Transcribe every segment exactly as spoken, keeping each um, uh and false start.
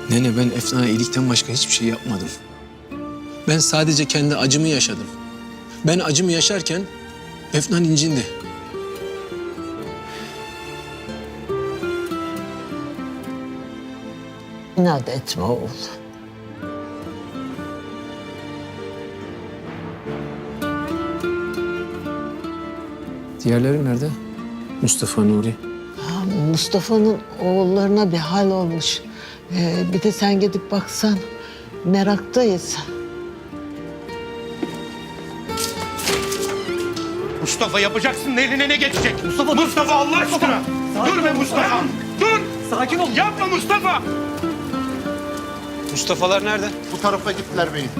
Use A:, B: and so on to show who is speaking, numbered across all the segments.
A: Nene, ben Efna'ya iyilikten başka hiçbir şey yapmadım. Ben sadece kendi acımı yaşadım. Ben acımı yaşarken Efna incindi.
B: İnat etme oğul.
A: Diğerleri nerede? Mustafa, Nuri.
B: Ha, Mustafa'nın oğullarına bir hal olmuş. Ee, bir de sen gidip baksan. Meraktayız.
C: Mustafa yapacaksın, eline ne geçecek? Mustafa, Mustafa Allah aşkına! Dur be Mustafa! Dur! Sakin ol! Yapma Mustafa!
A: Mustafa'lar nerede?
D: Bu tarafa gittiler beyim.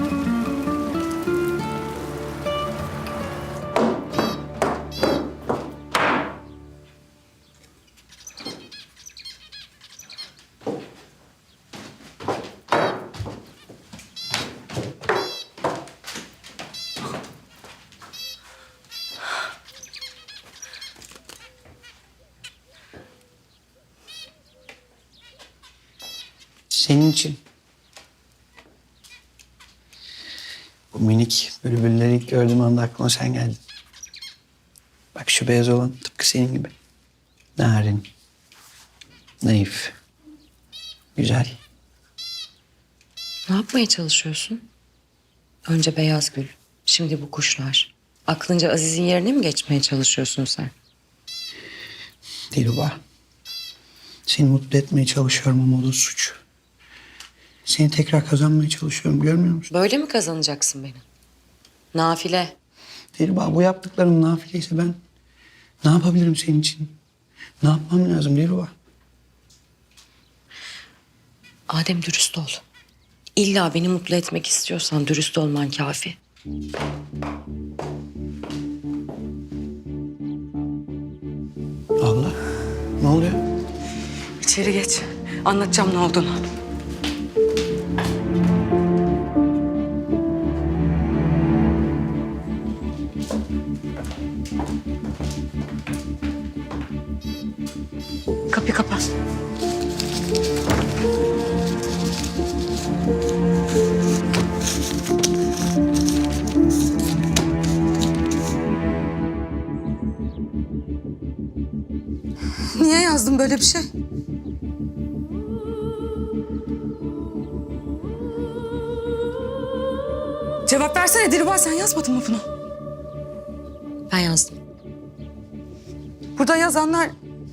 E: Senin için. Bu minik bülbülleri ilk gördüğüm anda aklıma sen geldin. Bak şu beyaz olan tıpkı senin gibi. Narin. Naif. Güzel.
F: Ne yapmaya çalışıyorsun? Önce beyaz gül, şimdi bu kuşlar. Aklınca Aziz'in yerine mi geçmeye çalışıyorsun sen?
E: Dilruba. Seni mutlu etmeye çalışıyorum ama o da suç. Seni tekrar kazanmaya çalışıyorum, görmüyor musun?
F: Böyle mi kazanacaksın beni? Nafile.
E: Dilruba, bu yaptıklarım nafileyse ben ne yapabilirim senin için? Ne yapmam lazım Dilruba?
F: Adem, dürüst ol. İlla beni mutlu etmek istiyorsan dürüst olman kafi.
E: Abla, ne oluyor?
F: İçeri geç. Anlatacağım ne olduğunu. Kapıyı kapat. Niye yazdın böyle bir şey? Cevap versene Dilruba, sen yazmadın mı bunu? Ben yazdım.
G: Burada yazanlar...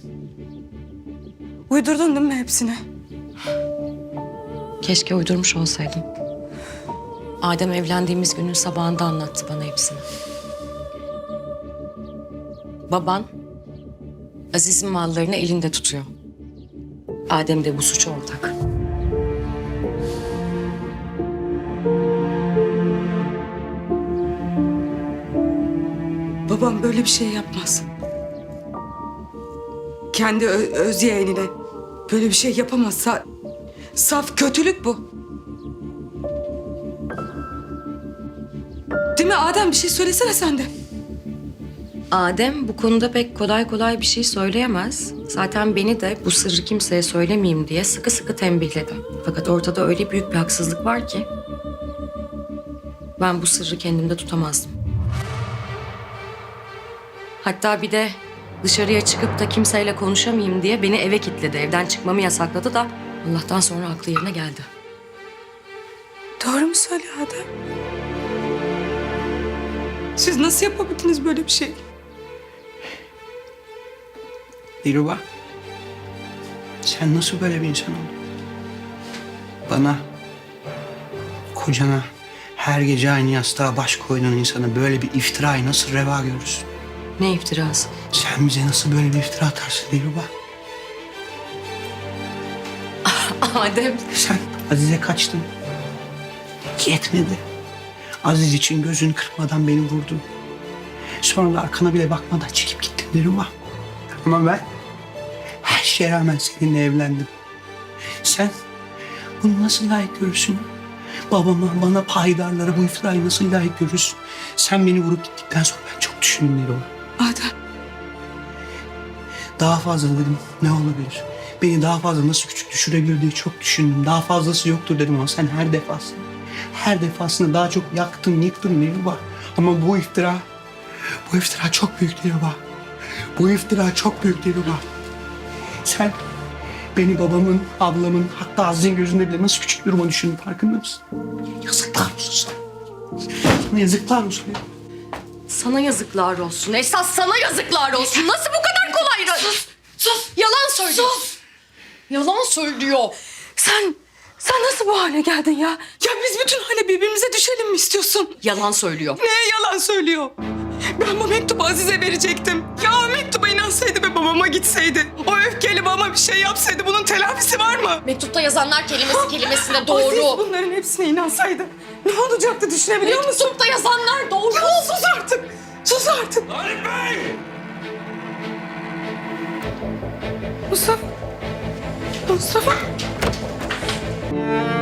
G: Uydurdun değil mi hepsini?
F: Keşke uydurmuş olsaydım. Adem evlendiğimiz günün sabahında anlattı bana hepsini. Baban Aziz'in mallarını elinde tutuyor. Adem de bu suça ortak.
G: Babam böyle bir şey yapmaz. Kendi ö- öz yeğenine böyle bir şey yapamaz. Sa- saf kötülük bu. Değil mi Adem? Bir şey söylesene sen de.
F: Adem bu konuda pek kolay kolay bir şey söyleyemez. Zaten beni de bu sırrı kimseye söylemeyeyim diye sıkı sıkı tembihledi. Fakat ortada öyle büyük bir haksızlık var ki ben bu sırrı kendimde tutamazdım. Hatta bir de dışarıya çıkıp da kimseyle konuşamayayım diye beni eve kilitledi. Evden çıkmamı yasakladı da Allah'tan sonra aklı yerine geldi.
G: Doğru mu söylüyor Adem? Siz nasıl yapabildiniz böyle bir şey?
E: Dilruba, sen nasıl böyle bir insan oldun? Bana, kocana, her gece aynı yastığa baş koyduğun insana böyle bir iftirayı nasıl reva görürsün?
F: Ne iftirası?
E: Sen bize nasıl böyle bir iftira atarsın Dilruba?
F: Adem.
E: Sen Aziz'e kaçtın. Yetmedi. Aziz için gözünü kırpmadan beni vurdun. Sonra da arkana bile bakmadan çekip gittin Dilruba. Ama ben her şeye rağmen seninle evlendim. Sen bunu nasıl layık görürsün? Babama, bana paydarlara bu iftirayı nasıl layık görürsün? Sen beni vurup gittikten sonra ben çok düşündüm Dilruba.
G: Adem.
E: Daha fazla dedim ne olabilir? Beni daha fazla nasıl küçük düşürebilir diye çok düşündüm. Daha fazlası yoktur dedim ama sen her defasında, her defasında daha çok yaktın, yıktın Dilruba. Ama bu iftira, bu iftira çok büyük Dilruba. Bu iftira çok büyük Dilruba. Sen beni babamın, ablamın, hatta Aziz'in gözünde bile nasıl küçük duruma düşürdün farkında mısın? Yazıklar olsun sana. Sana yazıklar olsun.
F: Sana yazıklar olsun. Esas sana yazıklar olsun. Nasıl bu kadar kolay? Sus! Sus! Yalan söylüyor. Sus! Yalan söylüyor.
G: Sen, sen nasıl bu hale geldin ya? Ya biz bütün hale birbirimize düşelim mi istiyorsun?
F: Yalan söylüyor.
G: Neye yalan söylüyor? Ben bu mektubu Aziz'e verecektim. Ya o mektuba inansaydı ve babama gitseydi. O öfkeli babama bir şey yapsaydı bunun telafisi var mı?
F: Mektupta yazanlar kelimesi kelimesine
G: Aziz
F: doğru.
G: bunların hepsine inansaydı ne olacaktı düşünebiliyor musun?
F: Mektupta yazanlar doğru.
G: Ya sus artık. Sus artık.
C: Arif Bey!
G: Mustafa. Mustafa.